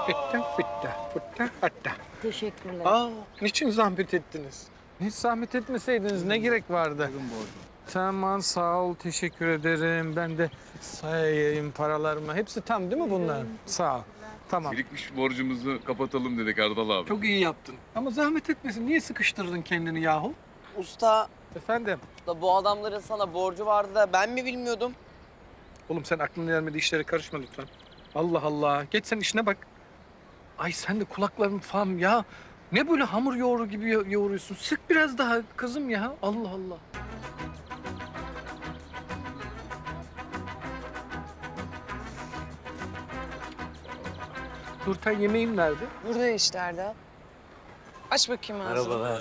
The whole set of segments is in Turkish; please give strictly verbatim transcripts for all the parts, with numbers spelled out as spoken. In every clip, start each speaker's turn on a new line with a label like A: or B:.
A: Fitta fitta futta hatta.
B: Teşekkürler.
A: Aa, niçin zahmet ettiniz? Hiç zahmet etmeseydiniz ne gerek vardı? Tamam, sağ ol, teşekkür ederim. Ben de sayayım paralarımı. Hepsi tam değil mi bunlar? Sağ ol. Tamam.
C: Birikmiş borcumuzu kapatalım dedik Erdal abi.
A: Çok iyi yaptın. Ama zahmet etmesin. Niye sıkıştırdın kendini yahu?
D: Usta,
A: Efendim?
D: da bu adamların sana borcu vardı da ben mi bilmiyordum?
A: Oğlum sen aklına gelmediği işlere karışma lütfen. Allah Allah. Geç sen işine bak. Ay sen de kulakların falan ya. Ne böyle hamur yoğuru gibi yo- yoğuruyorsun? Sık biraz daha kızım ya. Allah Allah. Nurten yemeğim nerede?
E: Burada işte Erdal. Aç bakayım ağzını.
F: Merhabalar.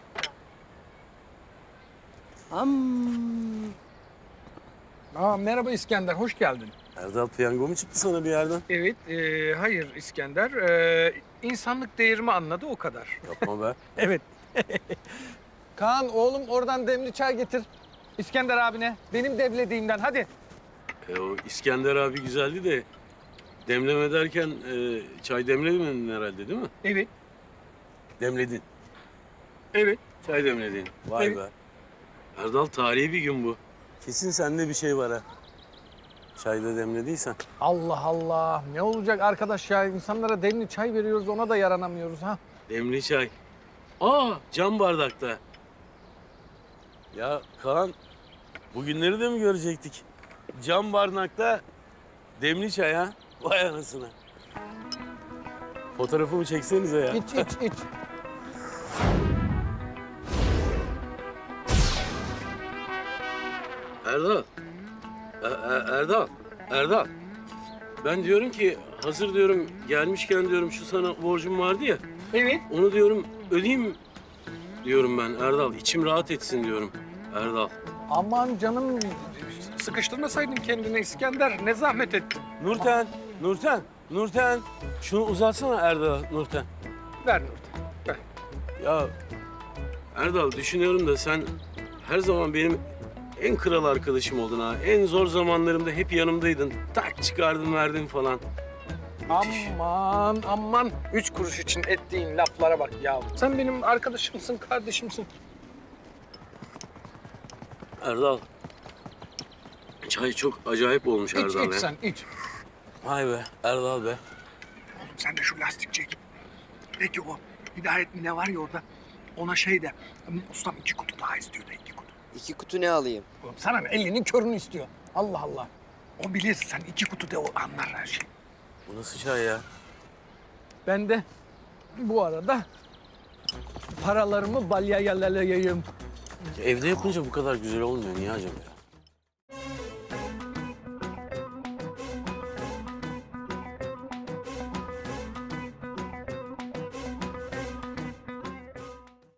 E: Am.
A: Aa, merhaba İskender, hoş geldin.
F: Erdal piyango mu çıktı sana bir yerden?
A: Evet, e, hayır İskender. E, insanlık değerimi anladı o kadar.
F: Yapma be.
A: Evet. Kaan oğlum oradan demli çay getir. İskender abine. Benim demlediğimden hadi.
F: E, o İskender abi güzeldi de demleme derken e, çay demlemedin herhalde değil mi?
A: Evet,
F: Demledin.
A: evet.
F: Çay demledin. Vay
A: Evet.
F: be. Erdal tarihi bir gün bu. Kesin sende bir şey var ha. Çayda demlediysen.
A: Allah Allah. Ne olacak arkadaş ya? İnsanlara demli çay veriyoruz, ona da yaranamıyoruz ha.
F: Demli çay. Aa cam bardakta. Ya Kaan bugünleri de mi görecektik? Cam bardakta demli çay ha. Vay anasını. Fotoğrafımı çeksenize ya.
A: İç, iç, iç.
F: Erdal. E- E- Erdal. Erdal. Ben diyorum ki hazır diyorum gelmişken diyorum şu sana borcum vardı ya.
A: Evet.
F: Onu diyorum ödeyeyim diyorum ben Erdal. İçim rahat etsin diyorum Erdal.
A: Aman canım, sıkıştırmasaydın kendini İskender. Ne zahmet ettin.
F: Nurten, Nurten, Nurten. Şunu uzatsana Erdal, Nurten.
A: Ver Nurten, ver.
F: Ya Erdal düşünüyorum da sen her zaman benim en kral arkadaşım oldun ha. En zor zamanlarımda hep yanımdaydın. Tak çıkardın verdin falan.
A: Aman aman. Üç kuruş için ettiğin laflara bak ya. Sen benim arkadaşımsın, kardeşimsin.
F: Erdal. Çay çok acayip olmuş
A: İç,
F: Erdal
A: iç
F: ya.
A: sen, iç.
F: Vay be Erdal be.
G: Oğlum sen de şu lastikçiye git. Peki o Hidayet mi ne var ya orada? Ona şey de, ustam iki kutu daha istiyor da iki kutu.
D: İki kutu ne alayım?
A: Oğlum sana ne? Elinin körünü istiyor. Allah Allah.
G: O bilir, sen iki kutu de o anlar her şeyi.
F: Bu nasıl çay ya?
A: Ben de bu arada paralarımı balyayalayayım.
F: Evde yapınca bu kadar güzel olmuyor. Niye acaba ya?